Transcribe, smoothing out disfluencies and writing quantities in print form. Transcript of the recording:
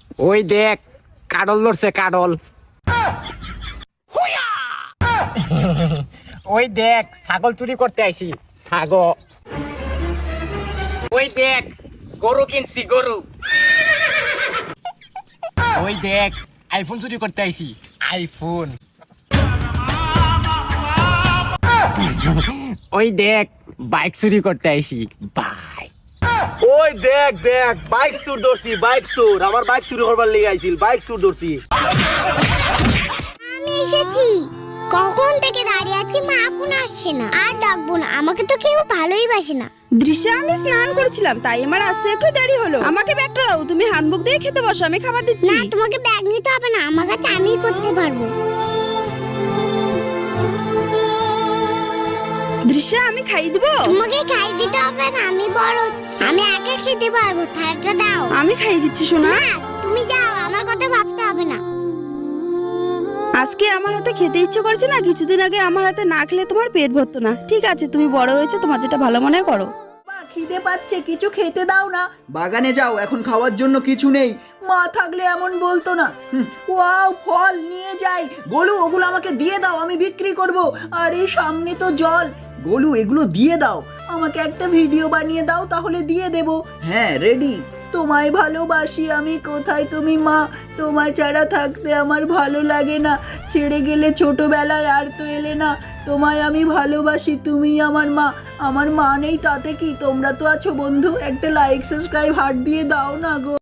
ওই দেখ কাডল ধরছে কাডল। ওই দেখ ছাগল চুরি করতে আইছি ছাগল। ওই দেখ গরু কিনছি গরু। ওই দেখ আইফোন চুরি করতে আইছি আইফোন। ওই দেখ বাইক চুরি করতে আইছি বাইক। ওই দেখ দেখ বাইক চুর ধরছি বাইক চুর, আমার বাইক চুরি করবার লেগে আইছিল, বাইক চুর ধরছি। আমি এসেছি, কখন থেকে দাঁড়িয়ে আছি, মা এখন আসছে না। আর ডাকবো না, আমাকে তো কেউ ভালোই বাসে না। দৃশ্যে আমি স্নান করেছিলাম, তাই আমার আসতে একটু দেরি হলো। আমাকে ব্যাগটা দাও, তুমি হ্যান্ডবুক দিয়ে খেতে বসো, আমি খাবার দিচ্ছি। না, তোমাকে ব্যাগ নিতে হবে না, আমার কাছে আমিই করতে পারবো। দৃশ্যে আমি খাইয়ে দিব। তোমাকে খাই দিতে হবে না, আমি বড় হচ্ছি, আমি একা খেতে পারবো। থালাটা দাও। আমি খাইয়ে দিচ্ছি সোনা। না, তুমি যাও, আমার কথা ভাবতে হবে না। আজকে আমার হাতে খেতে ইচ্ছে করছে না, কিছুদিন আগে আমার হাতে না খেলে তোমার পেট ভরতো না। ঠিক আছে, তুমি বড় হয়েছো, তোমার যেটা ভালো মনে করো। খিদে পাচ্ছে, কিছু খেতে দাও না। বাগানে যাও, এখন খাওয়ার জন্য কিছু নেই। মা থাকলে এমন বলতো না। ওয়াও, ফল নিয়ে যাই। গোলু, ওগুলো আমাকে দিয়ে দাও, আমি বিক্রি করব। আরে সামনে তো জল। গোলু, এগুলো দিয়ে দাও, আমাকে একটা ভিডিও বানিয়ে দাও, তাহলে দিয়ে দেব। হ্যাঁ, রেডি। তোমায় ভালোবাসি আমি, কোথায় তুমি মা? তোমায় ছাড়া থাকতে আমার ভালো লাগে না। ছেড়ে গেলে ছোটবেলায়, আর তো এলে না। তোমায় আমি ভালোবাসি, তুমি আমার মা। আমার মা নেই তাতে কি, তোমরা তো আছো বন্ধু। একটা লাইক সাবস্ক্রাইব হার্ট দিয়ে দাও না গো।